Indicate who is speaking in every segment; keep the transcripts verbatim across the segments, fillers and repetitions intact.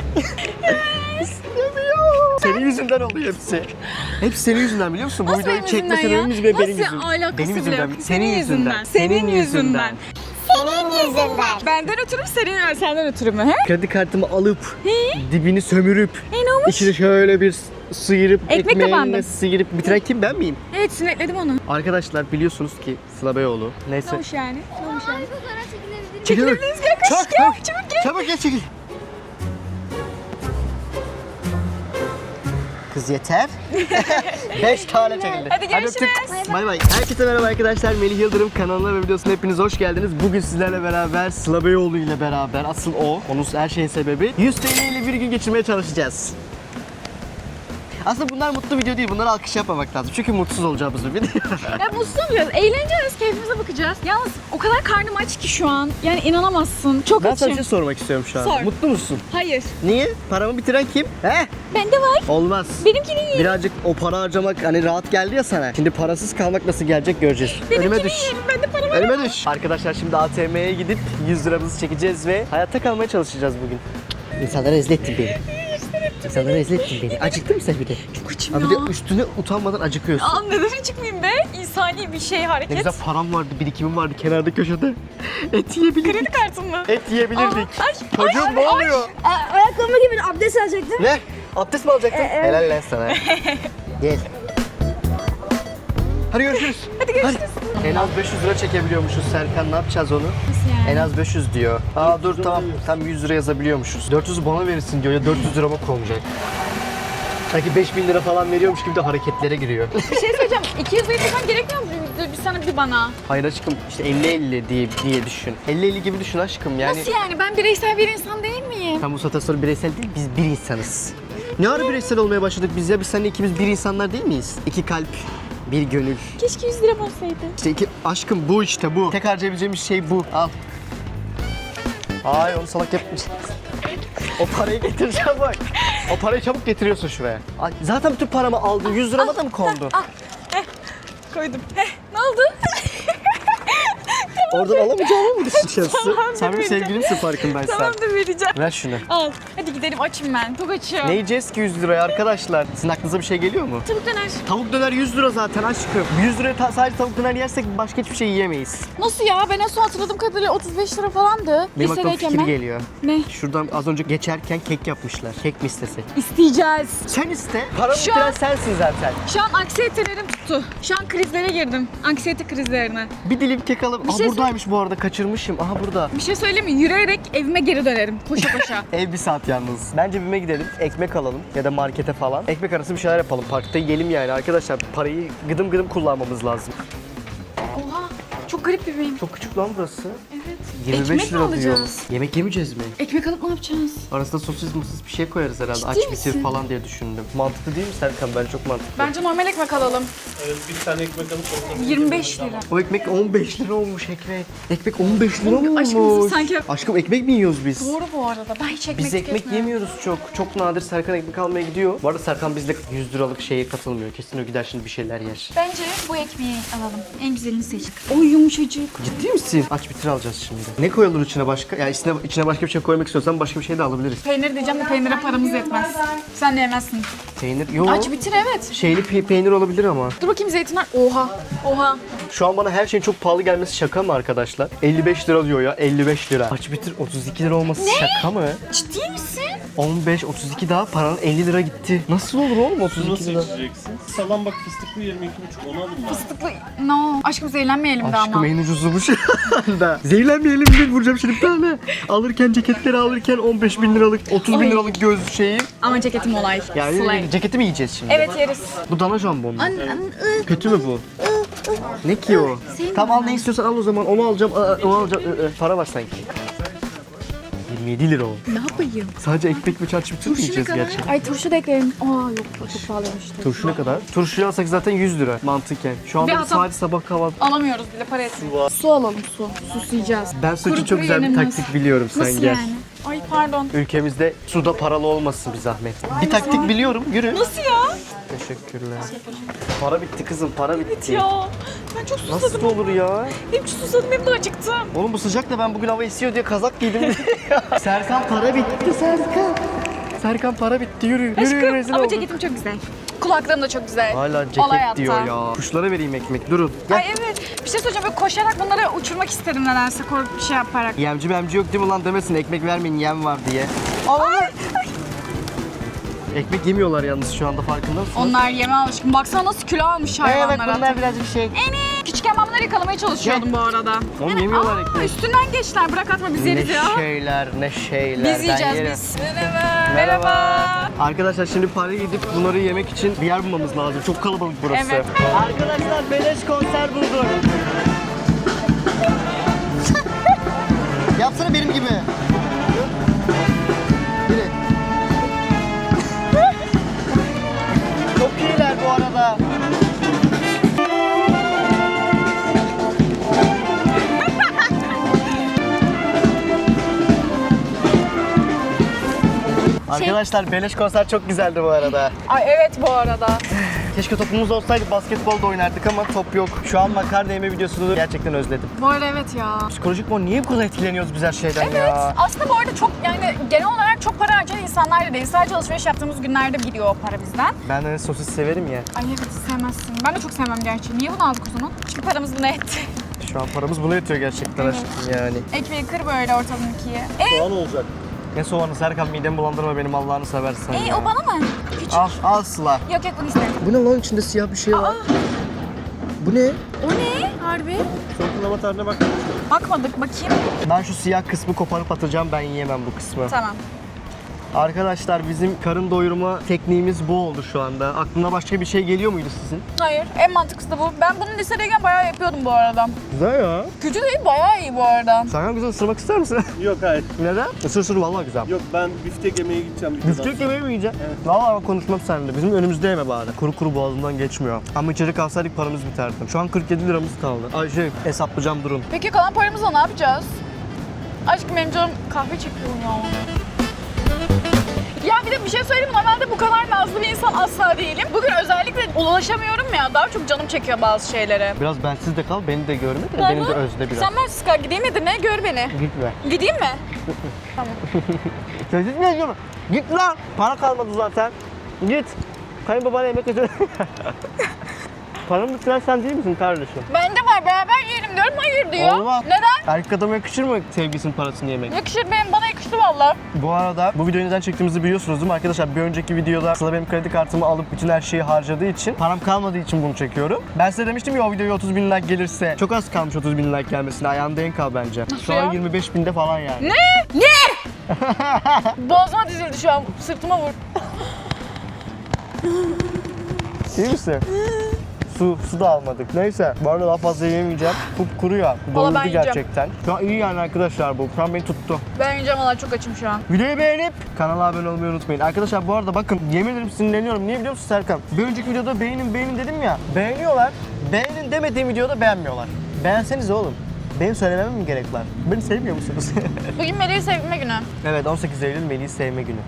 Speaker 1: İstemiyor. Senin yüzünden oluyor hepsi. Hepsi senin yüzünden biliyor musun? Bu
Speaker 2: Nasıl
Speaker 1: videoyu
Speaker 2: benim
Speaker 1: çekme
Speaker 2: yüzümden ya?
Speaker 1: sebebimiz ve benim
Speaker 2: Nasıl
Speaker 1: yüzümden.
Speaker 2: alakası
Speaker 1: Benim
Speaker 2: bile
Speaker 1: yüzümden.
Speaker 2: yok?
Speaker 1: Senin yüzünden.
Speaker 2: Senin yüzünden.
Speaker 3: Senin yüzünden.
Speaker 2: Benden ötürü mü, senin senden ötürü mü? He?
Speaker 1: Kredi kartımı alıp dibini sömürüp
Speaker 2: E ne olmuş?
Speaker 1: içine şöyle bir sıyırıp
Speaker 2: Ekmek
Speaker 1: ekmeğine
Speaker 2: kapandım.
Speaker 1: sıyırıp bitiren kim, ben miyim?
Speaker 2: Evet, sinekledim onu.
Speaker 1: Arkadaşlar biliyorsunuz ki Sıla Beyoğlu. Neyse.
Speaker 2: Ne olmuş yani? Ne olmuş yani?
Speaker 1: Çekil.
Speaker 2: Çekilebiliriz, gel koş,
Speaker 1: Çabuk,
Speaker 2: gel,
Speaker 1: çabuk.
Speaker 2: çabuk gel.
Speaker 1: Çabuk gel çekil. Kız yeter. Beş tane çekildi.
Speaker 2: Hadi görüşürüz.
Speaker 1: öptük. Bay bay. Herkese merhaba arkadaşlar. Melih Yıldırım kanalına ve videosuna hepiniz hoş geldiniz. Bugün sizlerle beraber Sıla Beyoğlu ile beraber, asıl o, onun her şeyin sebebi, yüz T L ile bir gün geçirmeye çalışacağız. Aslında bunlar mutlu video değil. Bunlara alkış yapmamak lazım. Çünkü mutsuz olacağımız bir video.
Speaker 2: Ya mutsuz olacağız, eğleneceğiz, keyfimize bakacağız. Yalnız o kadar karnım aç ki şu an. Yani inanamazsın. Çok
Speaker 1: Ben
Speaker 2: açım.
Speaker 1: sana bir şey sormak istiyorum şu an.
Speaker 2: Sor.
Speaker 1: Mutlu musun?
Speaker 2: Hayır.
Speaker 1: Niye? Paramı bitiren kim? He?
Speaker 2: Bende var.
Speaker 1: Olmaz.
Speaker 2: Benimkini yiyin.
Speaker 1: Birazcık o para harcamak hani rahat geldi ya sana. Şimdi parasız kalmak nasıl gelecek göreceğiz. Önüme
Speaker 2: Benimkini
Speaker 1: düş.
Speaker 2: yiyin. Bende para var.
Speaker 1: Önüme düş. Arkadaşlar şimdi A T M'ye gidip yüz liramızı çekeceğiz ve hayatta kalmaya çalışacağız bugün. İnsanları rezil ettin beni. İnsanları rezil ettin beni. Acıktın mı sen bir de?
Speaker 2: Çok açım
Speaker 1: Abi
Speaker 2: ya.
Speaker 1: bir de üstüne utanmadan acıkıyorsun.
Speaker 2: Aa, neden çıkmayayım be? İnsani bir şey, hareket.
Speaker 1: Ne güzel param vardı, birikimim vardı kenarda köşede. Et yiyebilirdik.
Speaker 2: Kredi kartın mı?
Speaker 1: Et yiyebilirdik.
Speaker 2: Aa, ay,
Speaker 1: Çocuğum
Speaker 2: ay,
Speaker 1: ne
Speaker 2: ay.
Speaker 1: oluyor?
Speaker 3: Ayakkabımı gibi abdest alacaktım.
Speaker 1: Ne? Abdest mi alacaktın? Helal lan sana. Gel. Hadi görüşürüz.
Speaker 2: Hadi görüşürüz.
Speaker 1: Hadi. En az beş yüz lira çekebiliyormuşuz Serkan, ne yapacağız onu?
Speaker 2: Nasıl yani?
Speaker 1: En az beş yüz diyor. Aa dur tamam, tam yüz lira yazabiliyormuşuz. dört yüzü bana verirsin diyor ya, dört yüz lirama konacak. Sanki beş bin lira falan veriyormuş gibi de hareketlere giriyor.
Speaker 2: Bir şey söyleyeceğim. iki yüz verirsen gerekmiyor mu? Bir, bir sana bir bana.
Speaker 1: Hayır aşkım, işte elli elli diye, diye düşün. elli elli gibi düşün aşkım yani.
Speaker 2: Nasıl yani? Ben bireysel bir insan değil miyim?
Speaker 1: Tam bu saatten sonra bireysel değil, biz bir insanız. Ne ara bireysel olmaya başladık biz ya? Biz seninle ikimiz bir insanlar değil miyiz? İki kalp, bir gönül.
Speaker 2: Keşke yüz liram olsaydı.
Speaker 1: İşte iki, aşkım bu işte bu. Tek harcayabileceğimiz şey bu. Al. Ay onu salak yapmış. O parayı getireceğim bak. O parayı çabuk getiriyorsun şuraya. Ay, zaten bütün paramı aldın. yüz lirama da mı kondu?
Speaker 2: Ah, heh, koydum. Heh, ne oldu?
Speaker 1: Oradan alamayacağımı mı düşünüyorsun?
Speaker 2: Tamam,
Speaker 1: Sen benim
Speaker 2: vereceğim.
Speaker 1: sevgilimsin farkındaysan.
Speaker 2: Tamamdır, vereceğim.
Speaker 1: Ver şunu.
Speaker 2: Al. Hadi gidelim, açım ben. Çok açım.
Speaker 1: Ne yiyeceğiz ki yüz liraya arkadaşlar? Sizin aklınıza bir şey geliyor mu?
Speaker 2: Tavuk döner.
Speaker 1: Tavuk döner yüz lira zaten aşkım. yüz liraya ta- sadece tavuk döner yersek başka hiçbir şey yiyemeyiz.
Speaker 2: Nasıl ya? Ben en son hatırladığım kadarıyla otuz beş lira falandı.
Speaker 1: Benim aklıma
Speaker 2: Lisedeyken
Speaker 1: fikir
Speaker 2: ben.
Speaker 1: geliyor.
Speaker 2: Ne?
Speaker 1: Şuradan az önce geçerken kek yapmışlar. Kek mi istesek?
Speaker 2: İsteyeceğiz.
Speaker 1: Sen iste. Paramı
Speaker 2: Şu
Speaker 1: bitiren
Speaker 2: an-
Speaker 1: sensin zaten.
Speaker 2: Şu an anksiyetelerim tuttu. Şu an krizlere girdim. Anksiyete krizlerine.
Speaker 1: Bir dilim kek alıp...
Speaker 2: Bir
Speaker 1: Aa
Speaker 2: şey
Speaker 1: buradaymış bu arada, kaçırmışım. Aha burada.
Speaker 2: Bir şey söyleyeyim mi? Yürüyerek evime geri dönerim. Koşa koşa.
Speaker 1: Ev bir saat yalnız. Bence BİM'e gidelim, ekmek alalım ya da markete falan. Ekmek arası bir şeyler yapalım. Parkta yiyelim yani arkadaşlar. Parayı gıdım gıdım kullanmamız lazım.
Speaker 2: Oha. Çok garip bir benim.
Speaker 1: Çok küçük lan burası.
Speaker 2: Evet.
Speaker 1: yirmi beş
Speaker 2: Ekmek mi
Speaker 1: lira
Speaker 2: alacağız?
Speaker 1: diyor. Yemek yemeyeceğiz mi?
Speaker 2: Ekmek alıp ne yapacağız?
Speaker 1: Arasında sosis mısız bir şey koyarız herhalde.
Speaker 2: Ciddi
Speaker 1: Aç
Speaker 2: misin?
Speaker 1: bitir falan diye düşündüm. Mantıklı değil mi Serkan? Bence çok mantıklı.
Speaker 2: Bence normal ekmek alalım.
Speaker 4: Evet, bir tane ekmek alıp orada
Speaker 2: yirmi beş lira.
Speaker 1: O ekmek on beş lira olmuş ekmek. Ekmek on beş lira mı olmuş?
Speaker 2: Aşkım sanki-
Speaker 1: Aşkım ekmek mi yiyoruz biz?
Speaker 2: Doğru bu arada. Ben hiç ekmek
Speaker 1: Biz ekmek
Speaker 2: tüketmiyorum.
Speaker 1: yemiyoruz çok. Çok nadir Serkan ekmek almaya gidiyor. Bu arada Serkan bizle yüz liralık şeye katılmıyor. Kesin o gider şimdi bir şeyler yer.
Speaker 2: Bence bu ekmeği alalım. En güzelini seçtik. Oy yumuşacık.
Speaker 1: Ciddi misin? Aç bitir alacağız şimdi. Ne koyulur içine başka? Yani içine, içine başka bir şey koymak istiyorsan başka bir şey de alabiliriz.
Speaker 2: Peynir diyeceğim de peynire paramız yetmez. Sen de yemezsin.
Speaker 1: Peynir yok.
Speaker 2: Aç bitir, evet.
Speaker 1: Şeyli pe- peynir olabilir ama.
Speaker 2: Dur bakayım, zeytinler. Oha. Oha.
Speaker 1: Şu an bana her şeyin çok pahalı gelmesi şaka mı arkadaşlar? elli beş lira diyor ya, elli beş lira. Aç bitir otuz iki lira olması şaka mı?
Speaker 2: Ciddi misin?
Speaker 1: on beş otuz iki daha paranın elli lira gitti. Nasıl olur oğlum otuz iki
Speaker 4: nasıl
Speaker 1: lira?
Speaker 4: içeceksin? Salam bak, fıstıklı yirmi iki buçuk, onu alın bari.
Speaker 2: Fıstıklı. No. Aşkım zehirlenmeyelim de
Speaker 1: Aşkım
Speaker 2: ama.
Speaker 1: en ucuzu bu şu anda. Zehirlenmeyelim diye vuracağım şimdi bir tane. Alırken ceketleri alırken on beş bin liralık, otuz bin
Speaker 2: Oy.
Speaker 1: liralık göz şeyi.
Speaker 2: Ama ceketim olay.
Speaker 1: Yani
Speaker 2: Slay.
Speaker 1: ceketi mi yiyeceğiz şimdi?
Speaker 2: Evet, yeriz.
Speaker 1: Bu dana jambon mu?
Speaker 2: An, an, ı.
Speaker 1: Kötü mü bu? Ne ki o?
Speaker 2: Sevmiyorum
Speaker 1: Tamam al
Speaker 2: ben.
Speaker 1: ne istiyorsan al o zaman. Onu alacağım, ı, ı, onu alacağım. ı, ı. Para var sanki. yirmi yedi lira o.
Speaker 2: Ne yapayım?
Speaker 1: Sadece ekmek ve çarşı bütün mü
Speaker 2: Turşu ne
Speaker 1: yiyeceğiz
Speaker 2: kadar?
Speaker 1: gerçekten?
Speaker 2: Ay turşu da ekleyelim. Aa yok, çok pahalıymış.
Speaker 1: Turşu ne kadar? Turşuyu alsak zaten yüz lira mantıken. Şu anda
Speaker 2: Bir
Speaker 1: bir
Speaker 2: hata-
Speaker 1: sadece sabah kahvaltı.
Speaker 2: Alamıyoruz bile, para etmiyor. Su alalım, su. Susayacağız.
Speaker 1: Ben su için
Speaker 2: Kuru
Speaker 1: çok
Speaker 2: kuru
Speaker 1: güzel bir
Speaker 2: yenilmez.
Speaker 1: taktik biliyorum, sen
Speaker 2: Nasıl
Speaker 1: gel.
Speaker 2: yani? Ay pardon.
Speaker 1: Ülkemizde suda paralı olmasın bir zahmet. Bir taktik biliyorum, yürü.
Speaker 2: Nasıl ya?
Speaker 1: Teşekkürler. Para bitti kızım, para bitti.
Speaker 2: Ya ben çok susadım.
Speaker 1: Nasıl olur ya?
Speaker 2: Hem susadım hem de acıktım.
Speaker 1: Oğlum bu sıcakta ben bugün hava esiyor diye kazak giydim. Serkan para bitti Serkan. Serkan para bitti yürü. Yürü yürü
Speaker 2: Aşkım
Speaker 1: rezil
Speaker 2: ama
Speaker 1: olduk.
Speaker 2: ceketim çok güzel. Kulaklığım da çok güzel.
Speaker 1: Hala
Speaker 2: Olay
Speaker 1: ceket
Speaker 2: hatta.
Speaker 1: diyor ya. Kuşlara vereyim ekmek durun. Gel.
Speaker 2: Ay evet. Bir şey söyleyeceğim. Böyle koşarak bunları uçurmak isterim nedense. Korkup bir şey yaparak.
Speaker 1: Yemci memci yok değil mi lan demesin ekmek vermeyin yem var diye.
Speaker 2: Ay.
Speaker 1: Ekmek yemiyorlar yalnız şu anda farkında mısın?
Speaker 2: Onlar yeme alışkın. Baksana nasıl kilo almış hayvanlar.
Speaker 1: Evet bunlar
Speaker 2: artık.
Speaker 1: birazcık şey.
Speaker 2: Eni. Küçükken ben bunları yakalamaya çalışıyordum bu arada.
Speaker 1: Oğlum
Speaker 2: Evet.
Speaker 1: yemiyorlar
Speaker 2: Aa,
Speaker 1: ekmek.
Speaker 2: üstünden geçtiler. Bırak atma biz
Speaker 1: Ne
Speaker 2: yeriz ya.
Speaker 1: şeyler ne şeyler.
Speaker 2: Biz
Speaker 1: Ben
Speaker 2: yiyeceğiz
Speaker 1: yerim.
Speaker 2: biz. Merhaba. Merhaba.
Speaker 1: Arkadaşlar şimdi Paris'e gidip bunları yemek için bir yer bulmamız lazım. Çok kalabalık burası.
Speaker 2: Evet.
Speaker 1: Arkadaşlar beleş konser bulduk. Yapsana benim gibi. Biri. Çok iyiler bu arada. Arkadaşlar beleş konser çok güzeldi bu arada.
Speaker 2: Ay evet bu arada.
Speaker 1: Keşke topumuz olsaydı basketbol da oynardık ama top yok. Şu an makarna yeme videosunu gerçekten özledim.
Speaker 2: Bu arada evet ya.
Speaker 1: Psikolojik mi? Niye bu kadar etkileniyoruz biz her şeyden
Speaker 2: Evet.
Speaker 1: ya?
Speaker 2: Aslında bu arada çok yani genel olarak çok para harcayan insanlar da değil. Sadece alışveriş yaptığımız günlerde gidiyor o para bizden.
Speaker 1: Ben de sosis severim ya.
Speaker 2: Ay evet sevmezsin. Ben de çok sevmem gerçi. Niye bunu aldık o zaman? Çünkü paramız buna etti.
Speaker 1: Şu an paramız buna yetiyor gerçekten
Speaker 2: Evet.
Speaker 1: aşkım yani.
Speaker 2: Ekmeği kır böyle ortadan ikiye. E,
Speaker 4: Soğan olacak.
Speaker 1: Ne soğanı Serkan midemi bulandırma benim Allah'ını seversen
Speaker 2: e
Speaker 1: ya.
Speaker 2: o bana mı? Küçük.
Speaker 1: Al, al Sıla.
Speaker 2: Yok yok bunu isterim.
Speaker 1: Bu ne lan içinde siyah bir şey var?
Speaker 2: Aa,
Speaker 1: Bu ne?
Speaker 2: o ne? Harbi.
Speaker 4: Soğuklama tarihine bak.
Speaker 2: Bakmadık bakayım.
Speaker 1: Ben şu siyah kısmı koparıp atacağım ben yiyemem bu kısmı.
Speaker 2: Tamam.
Speaker 1: Arkadaşlar bizim karın doyurma tekniğimiz bu oldu şu anda. Aklına başka bir şey geliyor muydu sizin?
Speaker 2: Hayır. En mantıklısı da bu. Ben bunu lisedeyken bayağı yapıyordum bu arada.
Speaker 1: Güzel ya.
Speaker 2: Kötü değil bayağı iyi bu arada.
Speaker 1: Serkan güzel ısırmak ister misin?
Speaker 4: Yok hayır.
Speaker 1: Neden? Isır ısır vallahi güzel.
Speaker 4: Yok ben biftek yemeye gideceğim. bir
Speaker 1: Biftek
Speaker 4: kadar.
Speaker 1: yemeği mi yiyeceksin?
Speaker 4: Evet.
Speaker 1: Valla ben konuşmam seninle. Bizim önümüzde yeme bari. Kuru kuru boğazından geçmiyor. Ama içeri kalsaydık paramız biterdi. Şu an kırk yedi liramız kaldı. Ay şey hesaplayacağım durun.
Speaker 2: Peki kalan paramızla ne yapacağız? Aşkım benim canım kahve çekiyor ya. Ya bir de bir şey söyleyeyim mi? Normalde bu kadar nazlı bir insan asla değilim. Bugün özellikle ulaşamıyorum ya. Daha çok canım çekiyor bazı şeylere.
Speaker 1: Biraz bensiz de kal, beni de görme de beni de özle biraz.
Speaker 2: Sen bensiz kal. Gideyim Edirne'ye gör beni.
Speaker 1: Gitme.
Speaker 2: Gideyim mi?
Speaker 1: Sessiz mi yazıyorum? Git lan! Para kalmadı zaten. Git. Kayınbabana yemek götür. Paramı bitiren sen değil misin kardeşim?
Speaker 2: Bende var beraber yiyelim diyorum. Hayır diyor.
Speaker 1: Olmaz.
Speaker 2: Neden?
Speaker 1: Erkek adama yakışır mı sevgisinin parasını yemek?
Speaker 2: Yakışır benim. Bana yakıştı valla.
Speaker 1: Bu arada bu videoyu neden çektiğimizi biliyorsunuz değil mi arkadaşlar? Bir önceki videoda Sıla benim kredi kartımı alıp bütün her şeyi harcadığı için, param kalmadığı için bunu çekiyorum. Ben size demiştim ya o videoya otuz bin like gelirse, çok az kalmış otuz bin like gelmesine, ayağında en kal bence. Şu an
Speaker 2: ya?
Speaker 1: yirmi beş binde falan yani.
Speaker 2: Ne? Ne? Boğazıma dizildi şu an. Sırtıma vur.
Speaker 1: İyi misin? Su, su da almadık. Neyse. Bu arada daha fazla yemeyeceğim. Kup kuru ya.
Speaker 2: ben
Speaker 1: Doyurdu
Speaker 2: yiyeceğim.
Speaker 1: gerçekten. Şu an iyi yani arkadaşlar bu. Şu an beni tuttu.
Speaker 2: Ben yiyeceğim valla çok açım şu an.
Speaker 1: Videoyu beğenip kanala abone olmayı unutmayın. Arkadaşlar bu arada bakın yemin ederim sinirleniyorum. Niye biliyor musun Serkan? Bir önceki videoda beğenin beğenin dedim ya. Beğeniyorlar. Beğenin demediğim videoda beğenmiyorlar. Beğenseniz oğlum. Benim söylememe mi gerek var? Beni sevmiyor musunuz?
Speaker 2: Bugün Melih'i sevme günü.
Speaker 1: Evet on sekiz Eylül Melih'i sevme günü.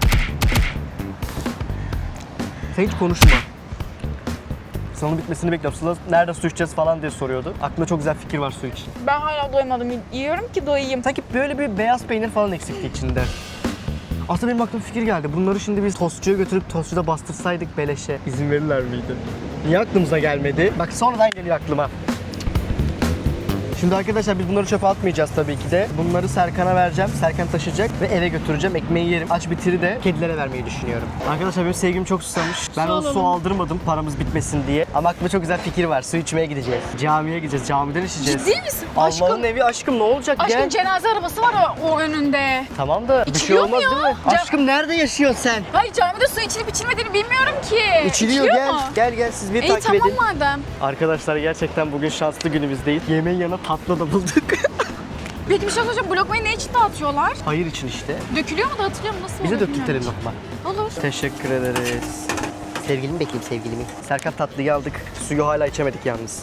Speaker 1: Sen hiç konuşma. Sınavın bitmesini bekliyorum. Sıla nerede su içeceğiz falan diye soruyordu. Aklımda çok güzel fikir var su için.
Speaker 2: Ben hala doymadım. Yiyorum ki doyayım.
Speaker 1: Sanki böyle bir beyaz peynir falan eksikti içinde. Aslında benim aklıma fikir geldi. Bunları şimdi biz tostçuya götürüp tostçuda bastırsaydık beleşe. İzin verirler miydi? Niye aklımıza gelmedi? Bak sonradan geliyor aklıma. Şimdi arkadaşlar biz bunları çöpe atmayacağız tabii ki de. Bunları Serkan'a vereceğim. Serkan taşıyacak ve eve götüreceğim. Ekmeği yerim. Aç bitiri de kedilere vermeyi düşünüyorum. Arkadaşlar benim sevgim çok susamış. Ben
Speaker 2: Su
Speaker 1: o su
Speaker 2: alalım.
Speaker 1: aldırmadım paramız bitmesin diye. Ama aklımda çok güzel fikir var. Su içmeye gideceğiz. Camiye gideceğiz. Camiden içeceğiz.
Speaker 2: Ciddi misin?
Speaker 1: Allah'ın
Speaker 2: Aşkım.
Speaker 1: evi aşkım ne olacak
Speaker 2: Aşkım
Speaker 1: gel.
Speaker 2: cenaze arabası var o, o önünde.
Speaker 1: Tamam da bir şey
Speaker 2: İçiliyor mu
Speaker 1: olmaz
Speaker 2: ya?
Speaker 1: değil mi?
Speaker 2: Cam-
Speaker 1: Aşkım nerede yaşıyorsun sen?
Speaker 2: Hayır camide su içilip içilmediğini bilmiyorum ki.
Speaker 1: İçiliyor gel.
Speaker 2: mu?
Speaker 1: Gel gel siz bir
Speaker 2: İyi
Speaker 1: takip
Speaker 2: tamam
Speaker 1: edin.
Speaker 2: madem.
Speaker 1: Arkadaşlar gerçekten bugün şanslı günümüzdeyiz. Yemeğin yanına tatlı da bulduk.
Speaker 2: Peki bir şey soracağım. Bu lokmayı ne için dağıtıyorlar?
Speaker 1: Hayır için işte.
Speaker 2: Dökülüyor mu dağıtılıyor mu? Nasıl
Speaker 1: Bize
Speaker 2: oluyor
Speaker 1: döktürtelim
Speaker 2: bilmiyorum.
Speaker 1: lokma.
Speaker 2: Olur.
Speaker 1: Teşekkür ederiz. Sevgilimi bekleyeyim sevgilimi. Serkan tatlıyı aldık. Suyu hala içemedik yalnız.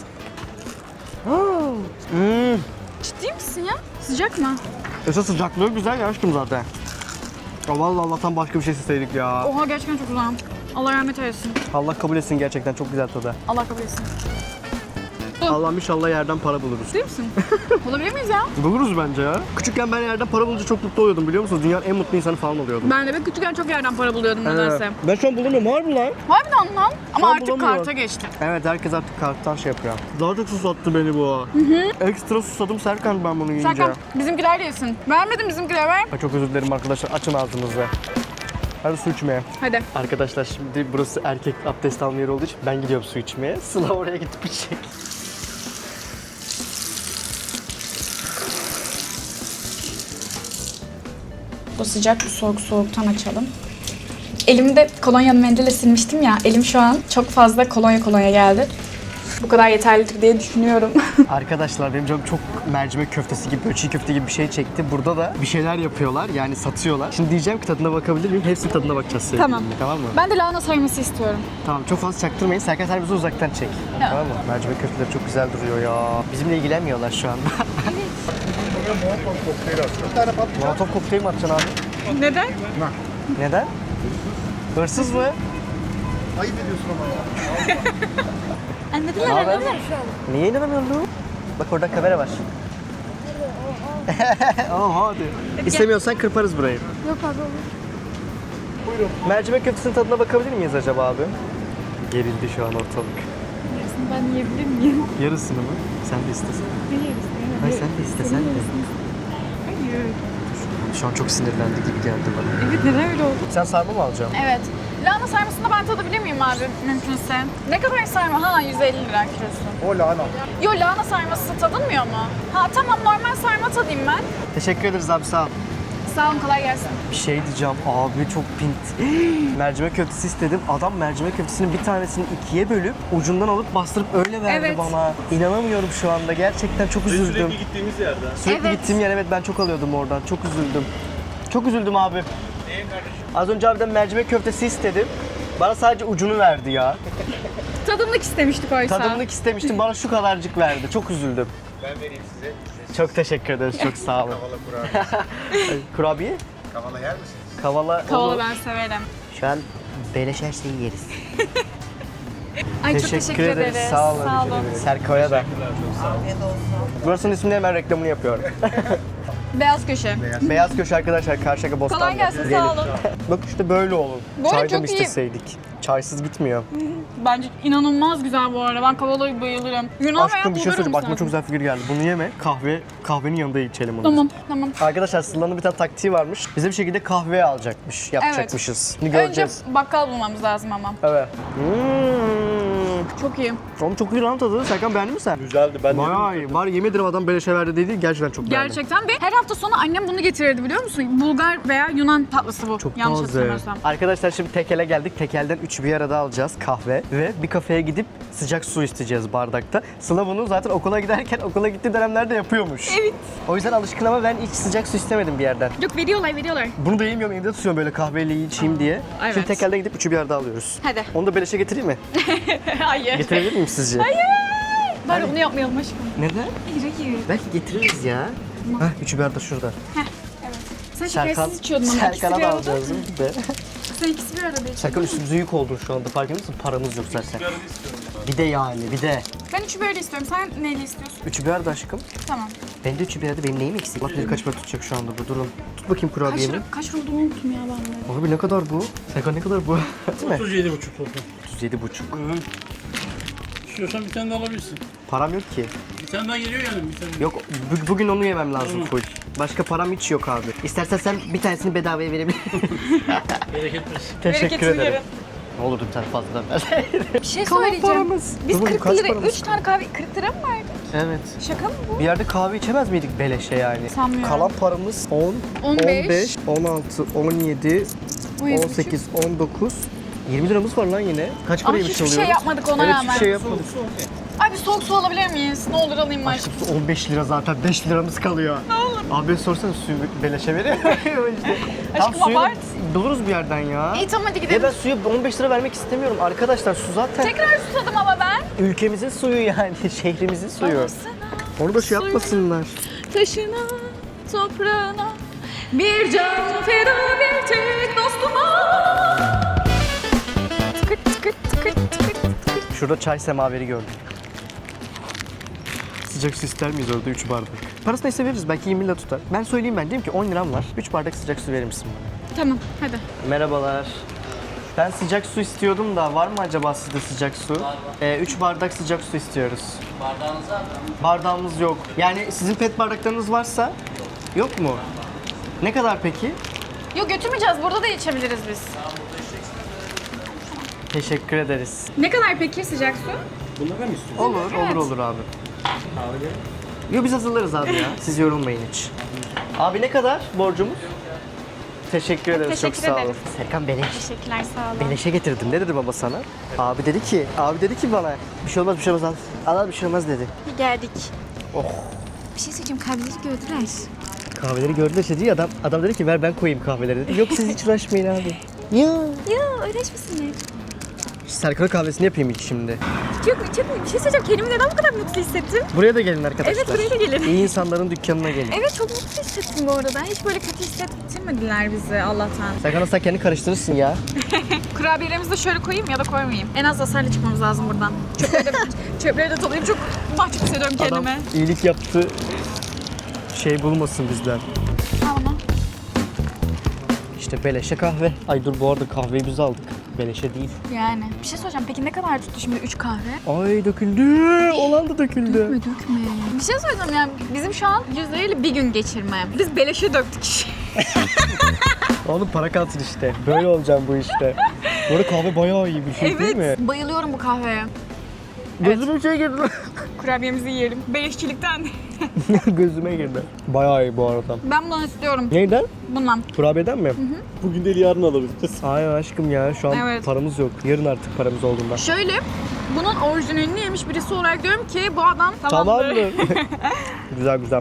Speaker 1: Hmm.
Speaker 2: Ciddi misin ya? Sıcak mı?
Speaker 1: Esas sıcaklığı güzel ya aşkım zaten. Ya vallahi Allah'tan başka bir şey isteseydik ya.
Speaker 2: Oha gerçekten çok güzel. Allah rahmet eylesin.
Speaker 1: Allah kabul etsin gerçekten çok güzel tadı.
Speaker 2: Allah kabul etsin.
Speaker 1: Allah'ım inşallah yerden para buluruz.
Speaker 2: Değil misin? Olabilir miyiz ya?
Speaker 1: Buluruz bence ya. Küçükken ben yerden para bulunca çok mutlu oluyordum biliyor musunuz? Dünyanın en mutlu insanı falan oluyordum.
Speaker 2: Ben de ben küçükken çok yerden para buluyordum nedense.
Speaker 1: Evet. Ben şu an bulamıyorum. Var mı lan?
Speaker 2: Harbiden lan. Ama
Speaker 1: an
Speaker 2: artık
Speaker 1: bulamıyorum.
Speaker 2: karta geçti.
Speaker 1: Evet, herkes artık karttan şey yapıyor. Daha çok susattı beni bu. Hı hı. Ekstra susadım Serkan ben bunu yiyince.
Speaker 2: Serkan bizimkiler de yesin. Vermedim bizimkiler ver.
Speaker 1: Ay, çok özür dilerim arkadaşlar. Açın ağzınızı. Hadi su içmeye.
Speaker 2: Hadi.
Speaker 1: Arkadaşlar şimdi burası erkek abdest alma yeri olduğu için ben gidiyorum su içmeye. Sıla oraya gidip içecek.
Speaker 2: Bu sıcak, bu soğuk soğuktan açalım. Elimi de kolonya mendille silmiştim ya. Elim şu an çok fazla kolonya kolonya geldi. Bu kadar yeterlidir diye düşünüyorum.
Speaker 1: Arkadaşlar benim canım çok mercimek köftesi gibi, böyle çiğ köfte gibi bir şey çekti. Burada da bir şeyler yapıyorlar, yani satıyorlar. Şimdi diyeceğim ki tadına bakabilir miyim? Hepsinin tadına bakacağız sevgilimle,
Speaker 2: Tamam.
Speaker 1: tamam mı?
Speaker 2: Ben de lahana sarması istiyorum.
Speaker 1: Tamam, çok fazla çaktırmayın. Serkan sen bizi uzaktan çek.
Speaker 2: Ya.
Speaker 1: Tamam mı? Mercimek köfteleri çok güzel duruyor ya. Bizimle ilgilenmiyorlar şu anda. Molotov kokteyl mi atacaksın abi?
Speaker 2: Neden?
Speaker 1: Neden? Hırsız mı?
Speaker 4: Ayıp ediyorsun ama ya.
Speaker 2: Anladılar,
Speaker 1: Haber?
Speaker 2: anladılar.
Speaker 1: Niye inanamıyorsun? Bak orada kamera var. Oha hadi. İstemiyorsan kırparız burayı.
Speaker 3: Yok abi olur.
Speaker 1: Buyurun. Mercimek köftesinin tadına bakabilir miyiz acaba abi? Gerildi şu an ortalık.
Speaker 2: Ben yiyebilir miyim?
Speaker 1: Yarısını mı? Sen de istesen. Hayır sen de istesen de.
Speaker 2: Hayır.
Speaker 1: Şu an çok sinirlendi gibi geldi bana.
Speaker 2: Evet, neden öyle oldu?
Speaker 1: Sen sarma mı alacaksın?
Speaker 2: Evet. Lahana sarmasını ben tadabilir miyim abi mümkünse? Ne kadar sarma? Ha yüz elli lira kilosu.
Speaker 4: O lahana.
Speaker 2: Yo lahana sarması tadılmıyor mu? Ha tamam normal sarma tadayım ben.
Speaker 1: Teşekkür ederiz abi sağ ol.
Speaker 2: Sağ olun kolay gelsin.
Speaker 1: Bir şey diyeceğim abi çok pint. mercimek köftesi istedim. Adam mercimek köftesinin bir tanesini ikiye bölüp ucundan alıp bastırıp öyle verdi
Speaker 2: Evet.
Speaker 1: bana. İnanamıyorum şu anda. Gerçekten çok üzüldüm.
Speaker 4: Sürekli gittiğimiz yerde.
Speaker 1: Sürekli
Speaker 2: Evet.
Speaker 1: gittiğim yer evet ben çok alıyordum oradan. Çok üzüldüm. Çok üzüldüm abi. Az önce abiden mercimek köftesi istedim. Bana sadece ucunu verdi ya.
Speaker 2: Tadımlık istemiştik oysa.
Speaker 1: Tadımlık istemiştim. Bana şu kadarcık verdi. Çok üzüldüm.
Speaker 4: Ben vereyim size.
Speaker 1: Çok teşekkür ederiz. Çok sağ olun.
Speaker 4: Kavala kurabiye.
Speaker 1: Kurabiye?
Speaker 4: Kavala yer misiniz?
Speaker 1: Kavala.
Speaker 2: Kavala
Speaker 1: olur.
Speaker 2: ben severim.
Speaker 1: Şu an beleş her şeyi yeriz.
Speaker 2: Ay çok teşekkür ederiz.
Speaker 1: Sağ olun.
Speaker 2: Sağ olun.
Speaker 1: Serko'ya da. Burasının ismini hemen reklamını yapıyorum.
Speaker 2: Beyaz köşe.
Speaker 1: Beyaz Köşe arkadaşlar Karşıyaka Bostanlı.
Speaker 2: Kolay gelsin
Speaker 1: Gelin.
Speaker 2: sağ olun.
Speaker 1: Bak işte böyle olur.
Speaker 2: Bu arada
Speaker 1: Çaydan
Speaker 2: çok iyi.
Speaker 1: isteseydik. Çaysız gitmiyor.
Speaker 2: Bence inanılmaz güzel bu arada. Ben kavalaya bayılırım. Yunan
Speaker 1: Aşkım
Speaker 2: veya
Speaker 1: bir şey
Speaker 2: Bulgar
Speaker 1: söyleyeceğim. Aklıma
Speaker 2: olması
Speaker 1: çok güzel fikir geldi. Bunu yeme. Kahve, kahvenin yanında içelim onu.
Speaker 2: Tamam, tamam.
Speaker 1: Arkadaşlar Sıla'nın bir tane taktiği varmış. Bize bir şekilde kahve alacakmış, yapacakmışız. Şimdi göreceğiz.
Speaker 2: Önce bakkal bulmamız lazım ama.
Speaker 1: Evet. Hmm.
Speaker 2: Çok iyi.
Speaker 1: Oğlum çok iyi lan tadı. Serkan beğendin mi sen?
Speaker 4: Güzeldi. Ben
Speaker 1: Bayağı iyi. Var yemin ederim adam böyle şey verdi dedi. Gerçekten çok beğendim.
Speaker 2: Gerçekten ve her hafta sonu annem bunu getirirdi biliyor musun? Bulgar veya Yunan tatlısı bu.
Speaker 1: Çok
Speaker 2: Yanlış
Speaker 1: taze.
Speaker 2: hatırlamıyorsam.
Speaker 1: Arkadaşlar şimdi tekele geldik. Tekelden üçü bir arada alacağız kahve ve bir kafeye gidip sıcak su isteyeceğiz bardakta. Sıla bunu zaten okula giderken okula gittiği dönemlerde yapıyormuş.
Speaker 2: Evet.
Speaker 1: O yüzden alışkın ama ben hiç sıcak su istemedim bir yerden.
Speaker 2: Yok veriyorlar veriyorlar.
Speaker 1: Bunu da yemiyorum evde tutuyorum böyle kahveyle içeyim diye.
Speaker 2: evet.
Speaker 1: Şimdi tekelden gidip üçü bir arada alıyoruz.
Speaker 2: Hadi.
Speaker 1: Onu da beleşe getireyim mi?
Speaker 2: Hayır.
Speaker 1: Getirebilir miyim sizce?
Speaker 2: Bari bunu yapmayalım aşkım.
Speaker 1: Neden?
Speaker 2: Hayır hayır.
Speaker 1: Belki getiririz ya. Hah üçü bir arada şurada.
Speaker 2: Sen
Speaker 1: Serkan,
Speaker 2: şekersiz içiyordun ama ikisi
Speaker 1: Serkan'a
Speaker 2: bir
Speaker 1: da
Speaker 2: arada.
Speaker 1: alacağız değil mi? Bir de.
Speaker 2: Sen ikisi bir arada içiyordun.
Speaker 1: Serkan üstümüze yük oldun şu anda farkında mısın? Paramız yok zaten. Bir de yani bir de.
Speaker 2: Ben üçü böyle istiyorum. Sen neyle istiyorsun?
Speaker 1: Üçü bir arada aşkım.
Speaker 2: Tamam.
Speaker 1: Ben de üçü bir arada benim neyim eksik? Bak bir kaç para tutacak şu anda bu durun. Tut bakayım
Speaker 2: Kaç,
Speaker 1: kurabiyemi.
Speaker 2: lira- kaç lira olduğunu unuttum ya ben de.
Speaker 1: Abi ne kadar bu? Serkan ne kadar bu? Değil mi?
Speaker 5: otuz yedi buçuk oldu.
Speaker 1: otuz yedi buçuk.
Speaker 5: İstiyorsan bir tane de alabilirsin.
Speaker 1: Param yok ki.
Speaker 5: Bir tane daha geliyor yani bir tane.
Speaker 1: Yok bu- bugün onu yemem lazım full. Başka param hiç yok abi. İstersen sen bir tanesini bedavaya verebilirsin.
Speaker 5: Bereket versin.
Speaker 1: Teşekkür
Speaker 2: Bereketini
Speaker 1: ederim.
Speaker 2: verin.
Speaker 1: Ne olurdu bir tane fazladan ver.
Speaker 2: Bir şey
Speaker 1: Kalan
Speaker 2: söyleyeceğim.
Speaker 1: paramız.
Speaker 2: Biz
Speaker 1: Dur bakayım,
Speaker 2: kırk
Speaker 1: kaç
Speaker 2: lira,
Speaker 1: paramız?
Speaker 2: üç tane kahve kırk lira mı verdik?
Speaker 1: Evet.
Speaker 2: Şaka mı bu?
Speaker 1: Bir yerde kahve içemez miydik beleşe yani?
Speaker 2: Sanmıyorum.
Speaker 1: Kalan paramız on,
Speaker 2: on beş,
Speaker 1: on beş, on altı, on yedi,
Speaker 2: on yedi
Speaker 1: on sekiz, on dokuz, yirmi liramız var lan yine. Kaç
Speaker 2: Ama
Speaker 1: para yemiş
Speaker 2: hiçbir
Speaker 1: oluyoruz?
Speaker 2: şey yapmadık ona
Speaker 1: evet,
Speaker 2: rağmen.
Speaker 1: hiçbir şey yapmadık.
Speaker 2: Ay bir soğuk su alabilir miyiz? Ne olur alayım ben.
Speaker 1: Aşkım su on beş lira zaten beş liramız kalıyor. Ne olur. Abi sorsana suyu beleşe veriyor. işte. Tam
Speaker 2: Aşkım,
Speaker 1: suyu
Speaker 2: abart.
Speaker 1: buluruz bir yerden ya.
Speaker 2: İyi tamam hadi
Speaker 1: Ya
Speaker 2: gidelim.
Speaker 1: ben suyu on beş lira vermek istemiyorum arkadaşlar su zaten
Speaker 2: Tekrar susadım ama ben.
Speaker 1: ülkemizin suyu yani şehrimizin suyu.
Speaker 2: Alırsana
Speaker 1: Onu da şey
Speaker 2: suyu.
Speaker 1: yapmasınlar.
Speaker 2: Taşına, toprağına, bir can feda bir tek dostuma. Tıkırt tıkırt tıkırt tıkırt tıkırt.
Speaker 1: Şurada çay semaveri gördüm. sıcak su ister miyiz orada üç bardak? Parası neyse veririz, belki yirmi lira tutar. Ben söyleyeyim, ben diyeyim ki on liram var. üç bardak sıcak su verir misin bana?
Speaker 2: Tamam hadi.
Speaker 1: Merhabalar. Ben sıcak su istiyordum da var mı acaba sizde sıcak su? üç bardak sıcak su istiyoruz.
Speaker 5: Bardağınız var mı?
Speaker 1: Bardağımız yok. Yani sizin pet bardaklarınız varsa yok mu? Ne kadar peki?
Speaker 2: Yok götürmeyeceğiz. Burada da içebiliriz biz.
Speaker 1: Teşekkür ederiz.
Speaker 2: Ne kadar peki sıcak su?
Speaker 5: Bunlara mı istiyorsun?
Speaker 1: Olur,
Speaker 2: Evet.
Speaker 1: olur olur abi. Yok biz hazırlarız abi ya. Siz yorulmayın hiç. Abi ne kadar borcumuz? Teşekkür ederiz.
Speaker 2: Teşekkür
Speaker 1: Çok sağ olun.
Speaker 2: ederiz.
Speaker 1: Serkan beleş.
Speaker 2: Teşekkürler sağ olun.
Speaker 1: Beleşe getirdim. Ne dedi baba sana? Abi dedi ki, abi dedi ki bana bir şey olmaz bir şey olmaz al. Al al bir şey olmaz dedi.
Speaker 2: Geldik.
Speaker 1: Oh.
Speaker 2: Bir şey söyleyeceğim. Kahveleri gördüler.
Speaker 1: Kahveleri gördüler işte diyor adam. Adam dedi ki ver ben koyayım kahveleri dedi. Yok siz hiç uğraşmayın abi. Ya.
Speaker 2: Ya uğraşmasınlar.
Speaker 1: Serkan'ın kahvesini yapayım ilk şimdi.
Speaker 2: Çok çok bir şey söyleyeceğim. Kendimi neden bu kadar mutlu hissettim?
Speaker 1: Buraya da gelin arkadaşlar.
Speaker 2: Evet, buraya da gelin.
Speaker 1: İyi insanların dükkanına gelin.
Speaker 2: Evet çok mutlu hissettim bu arada. Hiç böyle kötü hissettirmediler bizi Allah'tan.
Speaker 1: Serkan sen kendini karıştırırsın ya.
Speaker 2: Kurabiyelerimizi de şöyle koyayım ya da koymayayım. En az hasarla çıkmamız lazım buradan. Çöpleri de, çöpleri de toplayayım. Çok mahcup hissediyorum
Speaker 1: Adam
Speaker 2: kendime.
Speaker 1: iyilik yaptı. Şey bulmasın bizden.
Speaker 2: Al onu.
Speaker 1: İşte beleşe kahve. Ay dur bu arada kahveyi biz aldık. Beleşe değil.
Speaker 2: Yani. Bir şey soracağım. Peki ne kadar tuttu şimdi üç kahve?
Speaker 1: Ay döküldü. Olan da döküldü.
Speaker 2: Dökme dökme. Bir şey söyleyeceğim yani bizim şu an yüz lirayla bir gün geçirme. Biz beleşe döktük işi.
Speaker 1: Oğlum para kalsın işte. Böyle olacağım bu işte. Bu arada kahve bayağı iyi bir şey değil mi?
Speaker 2: Evet. Bayılıyorum bu kahveye.
Speaker 1: Gözüme şey girdi.
Speaker 2: Kurabiyemizi yiyelim. Beleşçilikten.
Speaker 1: Gözüme girdi. Bayağı iyi bu arada.
Speaker 2: Ben bundan istiyorum.
Speaker 1: Neyden?
Speaker 2: Bundan.
Speaker 1: Kurabiyeden mi?
Speaker 4: Bugün değil yarın alabiliriz.
Speaker 1: Hayır aşkım ya şu an
Speaker 2: Evet.
Speaker 1: paramız yok. Yarın artık paramız olduğunda.
Speaker 2: Şöyle bunun orijinalini yemiş birisi olarak diyorum ki bu adam
Speaker 1: Tamam
Speaker 2: tamamdır.
Speaker 1: mı? Güzel güzel.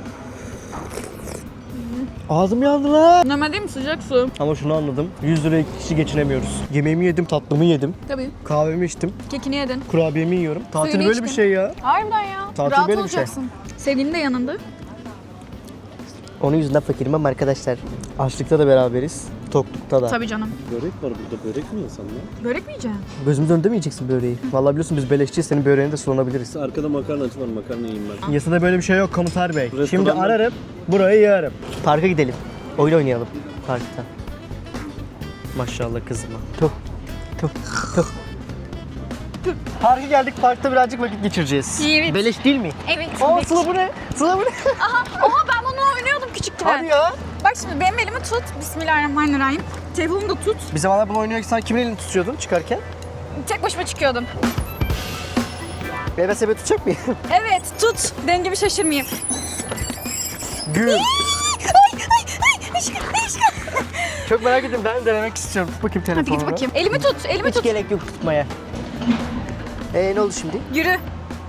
Speaker 1: Ağzım yandı lan.
Speaker 2: Normal değil mi sıcak su?
Speaker 1: Ama şunu anladım. yüz liraya iki kişi geçinemiyoruz. Yemeğimi yedim, tatlımı yedim.
Speaker 2: Tabii.
Speaker 1: Kahvemi içtim.
Speaker 2: Kekini yedin.
Speaker 1: Kurabiyemi yiyorum. Tatil
Speaker 2: Suyunu
Speaker 1: böyle bir
Speaker 2: içtin.
Speaker 1: şey ya.
Speaker 2: Harbiden ya.
Speaker 1: Tatil
Speaker 2: Rahat
Speaker 1: böyle bir şey.
Speaker 2: olacaksın. Sevgilin de yanında.
Speaker 1: Onun yüzünden fakirim ama arkadaşlar. Açlıkta da beraberiz. Toklukta da.
Speaker 2: Tabii canım.
Speaker 4: Börek var burada. Börek mi insanlar?
Speaker 2: Börek mi yiyeceksin?
Speaker 1: Gözümüz önünde mi yiyeceksin böreği? Vallahi biliyorsun biz beleşçiyiz. Senin böreğine de sulanabiliriz.
Speaker 4: Arkada makarnacı var. Makarna yiyeyim ben.
Speaker 1: Yasada böyle bir şey yok komutar bey.
Speaker 4: Restoranlar-
Speaker 1: Şimdi ararım, burayı yararım. Parka gidelim. Oyun oynayalım parkta. Maşallah kızıma. Tuh, tuh, tuh. Parka geldik, parkta birazcık vakit geçireceğiz.
Speaker 2: Evet.
Speaker 1: Beleş değil mi?
Speaker 2: Evet.
Speaker 1: Aa Sıla bu ne? Sıla bu ne?
Speaker 2: Aha, oha ben bunu oynuyordum küçükken.
Speaker 1: Hadi ya.
Speaker 2: Bak şimdi benim elimi tut. Bismillahirrahmanirrahim. Telefonumu da tut.
Speaker 1: Bir zamanlar bunu oynarken kimin elini tutuyordun çıkarken?
Speaker 2: Tek başıma çıkıyordum.
Speaker 1: B B S B tutacak mıyım?
Speaker 2: Evet tut. Dengemi şaşırmayayım.
Speaker 1: Gül.
Speaker 2: Ay ay ay aşkım aşkım.
Speaker 1: Çok merak ettim. Ben de denemek istiyorum. Tut bakayım
Speaker 2: Hadi
Speaker 1: telefonunu.
Speaker 2: git bakayım. Elimi tut. Elimi
Speaker 1: Hiç
Speaker 2: tut.
Speaker 1: gerek yok tutmaya. Ee ne oldu şimdi?
Speaker 2: Yürü.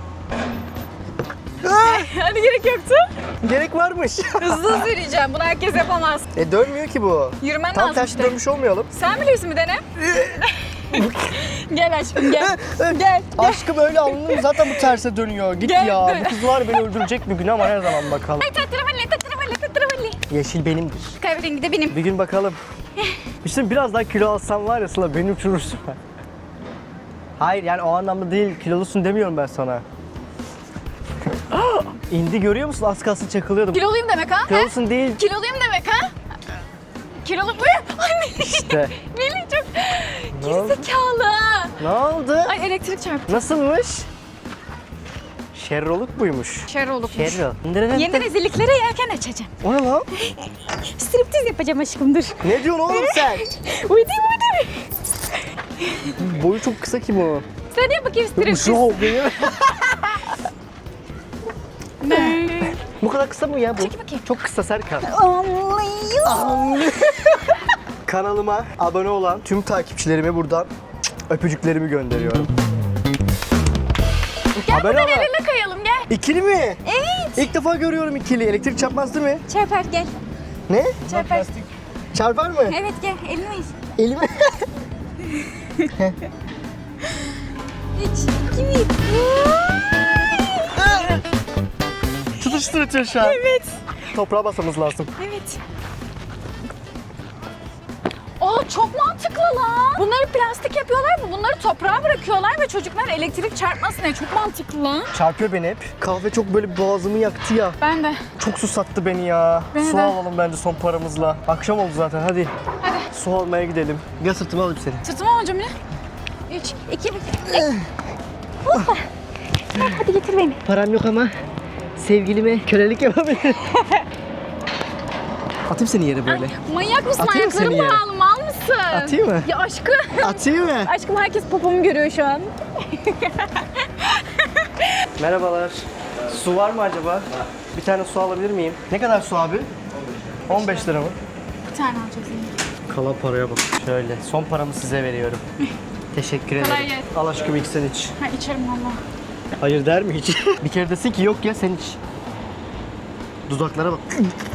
Speaker 2: Hadi gerek yoktu.
Speaker 1: Gerek varmış.
Speaker 2: Hızlı hızlı yürüyeceğim. Bunu herkes yapamaz.
Speaker 1: e dönmüyor ki bu.
Speaker 2: Yürümen
Speaker 1: Tam
Speaker 2: lazım
Speaker 1: tersi
Speaker 2: işte.
Speaker 1: dönmüş olmayalım.
Speaker 2: Sen biliyorsun bir dene. Gel aşkım gel. Gel.
Speaker 1: Aşkım öyle alnım zaten bu terse dönüyor. Git
Speaker 2: Gel.
Speaker 1: ya. Bu kız var beni öldürecek bir gün ama her zaman bakalım.
Speaker 2: Ay tatravalli tatravalli tatravalli.
Speaker 1: Yeşil benimdir.
Speaker 2: Kahverengi de benim.
Speaker 1: Bir gün bakalım. İşte biraz daha kilo alsam var ya Sıla beni uçurursun. Hayır yani o anlamda değil. Kilolusun demiyorum ben sana. İndi görüyor musun? Az kalsın çakılıyordum.
Speaker 2: Kiloluyum demek ha?
Speaker 1: Kilolusun değil.
Speaker 2: Kiloluyum demek ha? Kilolu mu? Ay Melih.
Speaker 1: İşte.
Speaker 2: Melih çok
Speaker 1: Ne oldu?
Speaker 2: gerizekalı.
Speaker 1: Ne oldu?
Speaker 2: Ay elektrik çarptı.
Speaker 1: Nasılmış? Şerroluk buymuş.
Speaker 2: Şerolukmuş.
Speaker 1: Şerrol.
Speaker 2: Yeni rezilliklere yelken açacağım.
Speaker 1: O ne lan?
Speaker 2: Striptiz yapacağım aşkım dur.
Speaker 1: Ne diyorsun oğlum sen?
Speaker 2: Uydum uydum.
Speaker 1: Boyu çok kısa ki bu.
Speaker 2: Sen yap bakayım striptiz.
Speaker 1: Şu benim. Bu kadar kısa mı ya bu?
Speaker 2: Çek bakayım.
Speaker 1: Çok kısa Serkan.
Speaker 2: Anlıyor.
Speaker 1: Kanalıma abone olan tüm takipçilerime buradan öpücüklerimi gönderiyorum.
Speaker 2: Gel
Speaker 1: Haber
Speaker 2: buradan
Speaker 1: ama.
Speaker 2: el ele kayalım gel.
Speaker 1: İkili mi?
Speaker 2: Evet.
Speaker 1: İlk defa görüyorum ikili. Elektrik çarpmaz değil mi?
Speaker 2: Çarpar gel.
Speaker 1: Ne?
Speaker 2: Çarpar.
Speaker 1: Çarpar mı?
Speaker 2: Evet gel elini ver.
Speaker 1: Elimi.
Speaker 2: Üç, iki, bir.
Speaker 1: Tutuşturuyor şu an.
Speaker 2: Evet.
Speaker 1: Toprağa basmamız lazım.
Speaker 2: Evet. Aa çok mantıklı lan. Bunları plastik yapıyorlar mı? Bunları toprağa bırakıyorlar ve çocuklar elektrik çarpmasın diye. Çok mantıklı lan.
Speaker 1: Çarpıyor beni hep. Kahve çok böyle boğazımı yaktı ya.
Speaker 2: Ben de.
Speaker 1: Çok susattı beni ya.
Speaker 2: Beni
Speaker 1: Su
Speaker 2: de.
Speaker 1: alalım bence son paramızla. Akşam oldu zaten hadi.
Speaker 2: Hadi.
Speaker 1: Su almaya gidelim. Gel sırtıma alayım seni.
Speaker 2: Sırtıma alacağım yine. üç, iki, bir. Hoppa. Hadi getir beni.
Speaker 1: Param yok ama sevgilime kölelik yapabilirim. Atayım seni yere böyle.
Speaker 2: Manyak mısın?
Speaker 1: Atayım mı
Speaker 2: Ayaklarım
Speaker 1: seni yere?
Speaker 2: bağlı. Mal mısın?
Speaker 1: Atayım mı?
Speaker 2: Ya aşkım.
Speaker 1: Atayım mı?
Speaker 2: Aşkım herkes popomu görüyor şu an.
Speaker 1: Merhabalar. Su var mı acaba? Bir tane su alabilir miyim? Ne kadar su abi? on beş lira mı?
Speaker 2: Bir tane alacaksın.
Speaker 1: Kalan paraya bak. Şöyle son paramı size veriyorum. Teşekkür
Speaker 2: Kolay
Speaker 1: ederim.
Speaker 2: gelsin.
Speaker 1: Al aşkım ilk sen iç.
Speaker 2: Ha içerim valla.
Speaker 1: Hayır der mi hiç? Bir kere desin ki yok ya sen iç. Dudaklara bak.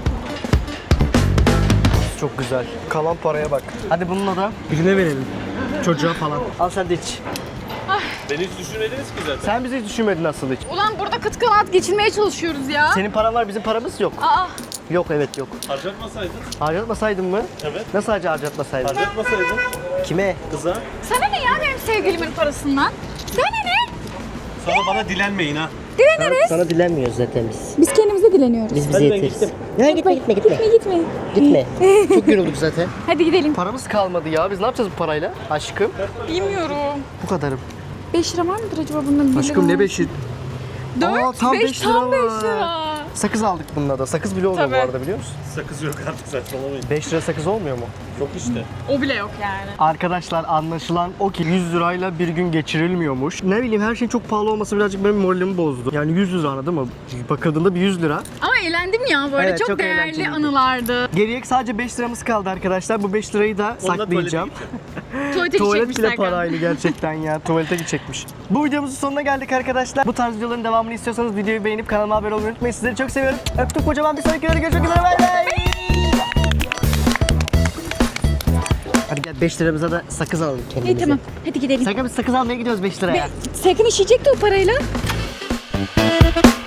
Speaker 1: Çok güzel. Kalan paraya bak. Hadi bununla da birine verelim. Çocuğa falan. Al sen de iç.
Speaker 4: Beni hiç düşünmediniz ki zaten.
Speaker 1: Sen bizi hiç düşünmedin asıl hiç.
Speaker 2: Ulan burada kıt kanaat geçirmeye çalışıyoruz ya.
Speaker 1: Senin paran var bizim paramız yok.
Speaker 2: Aa.
Speaker 1: Yok evet yok.
Speaker 4: Harcatmasaydın.
Speaker 1: Harcatmasaydın mı?
Speaker 4: Evet.
Speaker 1: Nasıl harca harcatmasaydın?
Speaker 4: Harcatmasaydın.
Speaker 1: Kime?
Speaker 4: Kıza.
Speaker 2: Sana ne ya benim sevgilimin parasından? Sana ne?
Speaker 4: Sonra bana dilenmeyin ha.
Speaker 2: Dileniriz.
Speaker 1: Sana dilenmiyoruz zaten biz.
Speaker 2: Biz kendimize dileniyoruz.
Speaker 1: Biz bize
Speaker 4: Hadi ben
Speaker 1: yeteriz.
Speaker 4: gittim.
Speaker 1: Ya gitme gitme gitme.
Speaker 2: Gitme gitme.
Speaker 1: Gitme. Çok yorulduk zaten.
Speaker 2: Hadi gidelim.
Speaker 1: Paramız kalmadı ya. Biz ne yapacağız bu parayla? Aşkım.
Speaker 2: Bilmiyorum.
Speaker 1: Bu kadarım.
Speaker 2: beş lira var mıdır acaba bunun?
Speaker 1: Aşkım ne beşi?
Speaker 2: dört,
Speaker 1: Aa, tam
Speaker 2: beş,
Speaker 1: beş lira
Speaker 2: tam beş
Speaker 1: var.
Speaker 2: lira.
Speaker 1: Sakız aldık bununla da. Sakız bile olmuyor
Speaker 2: Tabii.
Speaker 1: bu arada biliyor musun?
Speaker 4: Sakız yok artık saçmalamayın.
Speaker 1: beş lira sakız olmuyor mu?
Speaker 4: Yok işte.
Speaker 2: O bile yok yani.
Speaker 1: Arkadaşlar anlaşılan o ki yüz lirayla bir gün geçirilmiyormuş. Ne bileyim her şeyin çok pahalı olması birazcık benim moralimi bozdu. Yani yüz lira anladın mı? Bakıldığında bir yüz lira.
Speaker 2: Ama eğlendim ya böyle
Speaker 1: Evet,
Speaker 2: çok,
Speaker 1: çok
Speaker 2: değerli
Speaker 1: eğlenceliydi.
Speaker 2: anılardı.
Speaker 1: Geriye sadece beş liramız kaldı arkadaşlar. Bu beş lirayı da
Speaker 4: Onunla
Speaker 1: saklayacağım.
Speaker 2: Tuvalete
Speaker 1: Tuvalet
Speaker 2: gidecekmişler
Speaker 1: bile paraylı gerçekten ya. Tuvalete gidecekmiş. Bu videomuzun sonuna geldik arkadaşlar. Bu tarz videoların devamını istiyorsanız videoyu beğenip kanalıma abone olmayı unutmayın. Sizleri çok seviyorum. Öptüm kocaman, bir sonraki videoda görüşmek üzere. Bay bay. Hadi gel beş liramıza da sakız alalım kendimize.
Speaker 2: İyi tamam hadi gidelim.
Speaker 1: Sakın biz sakız almaya gidiyoruz beş liraya.
Speaker 2: Sakın işeyecekti o parayla.